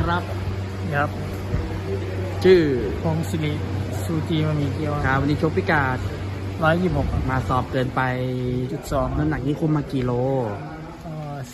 ครับครับชื่อพงศิริสูจีมามีเกียวครับวันนี้ชกพิกาด 126 มาสอบเกินไป 2 น้ำหนักนี้คุมมากี่โลก็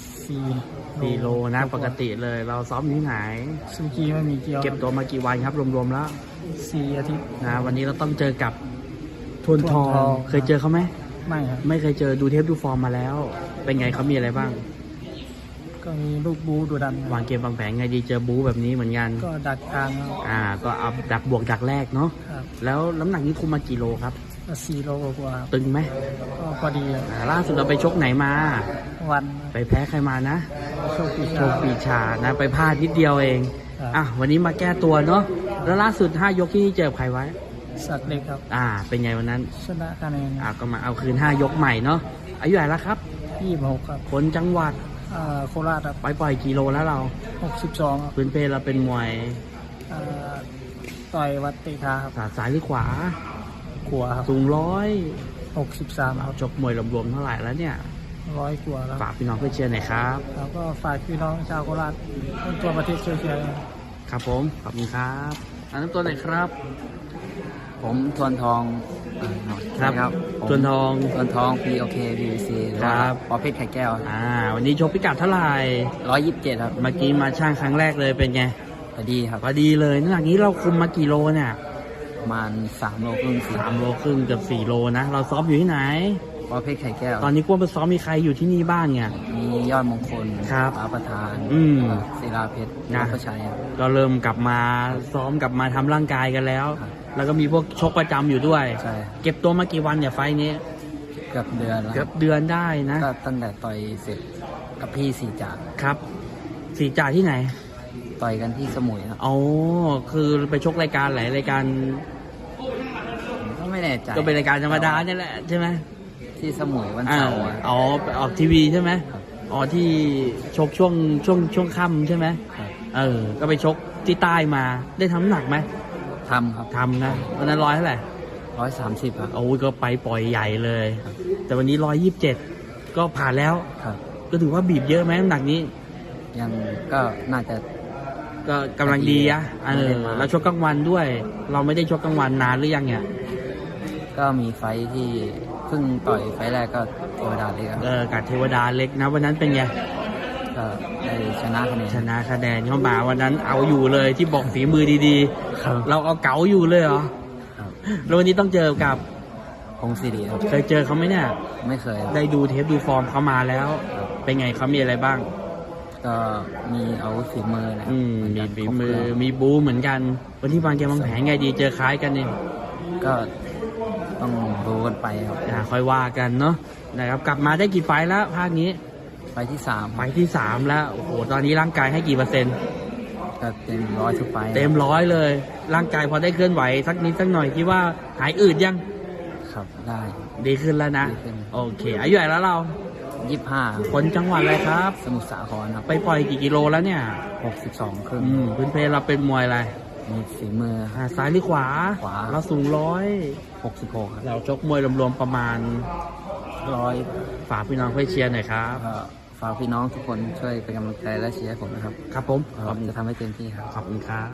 4 โลนะปกติเลย เราซ้อมอยู่ที่ไหนสูจีมามีเกียวเก็บตัวมากี่วันครับรวมๆแล้ว 4 อาทิตย์นะวันนี้เราต้องเจอกับทวนทองทวนทองเคยเจอเขาไหมไม่ครับไม่เคยเจอดูเทปดูฟอร์มมาแล้ว เป็นไงเขามีอะไรบ้างก็มีลูกบูดูดันวางเกมวางแผนไงดีเจอบูแบบนี้เหมือนกันก็ดักกลางครับก็เอาดักบวกดักแรกเนาะครับแล้วน้ำหนักนี้คุมมากี่โลครับก็4 โลกว่าครับตึงไหมก็พอดีครับล่าสุดเราไปชกไหนมาวันไปแพ้ใครมานะโชคดีโชคปีชานะไปพลาดนิดเดียวเองครับวันนี้มาแก้ตัวเนาะแล้วล่าสุด5ยกที่เจอใครไว้สักเล็กครับเป็นไงวันนั้นชนะคะแนนก็มาเอาคืน5ยกใหม่เนาะอายุเท่าไหร่แล้วครับ 26ครับคนจังหวัดโคราชครับปล่อยกิโลแล้วเรา 62ครับพื้นเพเราเป็นมวยต่อยวัดเตคาครับซ้ายหรือขวาขัวครับสูง 63ครับชกมวยรวมๆเท่าไหร่แล้วเนี่ย 100 กว่าแล้วฝากพี่น้องเพื่อเชียร์หน่อยครับแล้วก็ฝากพี่น้องชาวโคราชทั่วประเทศช่วยเชียร์ครับผมขอบคุณครับอันนั้นตัวไหนครับผมทวนทองครับผมทวนทองทวนทอง POK PVC หรือว่าครับปอเพชรไข่แก้ววันนี้ชกพิกัดเท่าไหร่ 127 ครับเมื่อกี้มาช่างครั้งแรกเลยเป็นไงพอดีครับพอดีเลยน้ำหนักนี้เราคุมมากี่โลเนี่ยประมาณ3 โลครึ่ง 3 โลครึ่งเกือบ4 โลนะ เราซ้อมอยู่ที่ไหนปอเพชรไข่แก้วตอนนี้กวนไปซ้อมมีใครอยู่ที่นี่บ้างเนี่ยมียอดมงคลครับฟ้าประธาน ศิลาเพชรนะประชัยครับก็เริ่มกลับมาซ้อมกลับมาทำร่างกายกันแล้วครับแล้วก็มีพวกชกประจำอยู่ด้วยใช่เก็บตัวมากี่วันเนี่ยไฟล์นี้เกือบเดือนแล้วเกือบเดือนได้นะก็ตั้งแต่ต่อยเสร็จกับพี่สีจ่าครับสีจ่าที่ไหนต่อยกันที่สมุยครับอ๋อคือไปชกรายการหลายรายการผมก็ไม่แน่ใจก็เป็นรายการธรรมดาเนี่ยแหละใช่ไหมที่สมุยวันเสาร์อะไปออกทีวีใช่ไหมครับที่ชกช่วงค่ำใช่ไหมครับก็ไปชกที่ใต้มาได้ทำน้ำหนักไหมทำครับทำนะวันนั้นเท่าไหร่ 130 ครับโอ้ยก็ไปปล่อยใหญ่เลยครับแต่วันนี้127ก็ผ่านแล้วครับก็ถือว่าบีบเยอะไหมน้ำหนักนี้ยังก็น่าจะก็กำลังดีอะไม่ได้มาเราชกกลางวันด้วย เราไม่ได้ชกกลางวันนานหรือยังเนี่ยก็มีไฟท์ที่เพิ่งต่อยไฟท์แรกก็เทวดาเลยครับกับเทวดาเล็กนะวันนั้นเป็นไงก็ได้ชนะคะแนนชนะคะแนนเข้ามาวันนั้นเอาอยู่เลยที่บอกฝีมือดีครับๆ เราเอาเก๋าอยู่เลยเหรอครับแล้ววันนี้ต้องเจอกับพงศิริครับเคยเจอเขาไหมเนี่ยไม่เคยครับได้ดูเทปดูฟอร์มเขามาแล้ว เป็นไงเขามีอะไรบ้างก็มีอาวุธฝีมือนะมีฝีมือมีบูเหมือนกัน วันที่วางเกมวางแผนไงดีเจอคล้ายกันเนี่ยก็ต้องรู้กันไปครับค่อยว่ากันเนาะนะครับกลับมาได้กี่ไฟล์แล้วภาคนี้ไฟท์ที่ไฟล์ที่ 3 แล้วโอ้โหตอนนี้ร่างกายให้กี่เปอร์เซ็นต์ 3ก็เต็ม100ทุกไฟท์เต็ม100เลย ร่างกายพอได้เคลื่อนไหวสักนิดสักหน่อยคิดว่าหายอืดยังครับได้ดีขึ้นแล้วนะดีขึ้นโอเคอายุเท่าไหร่แล้วเรา 25 คนจังหวัดอะไรครับสมุทรสาครครับไปปล่อยกี่กิโลแล้วเนี่ย 62 ครึ่งพื้นเพเราเป็นมวยอะไรมีฝีมือซ้ายหรือขวาขวาเราสูง 66 ครับเราชกมวยรวมๆประมาณ 100 ฝากพี่น้องเพื่อเชียร์หน่อยครับก็ฝากพี่น้องทุกคนช่วยเป็นกำลังใจและเชียร์ให้ผมนะครับครับผมผมจะทำให้เต็มที่ครับขอบคุณครับ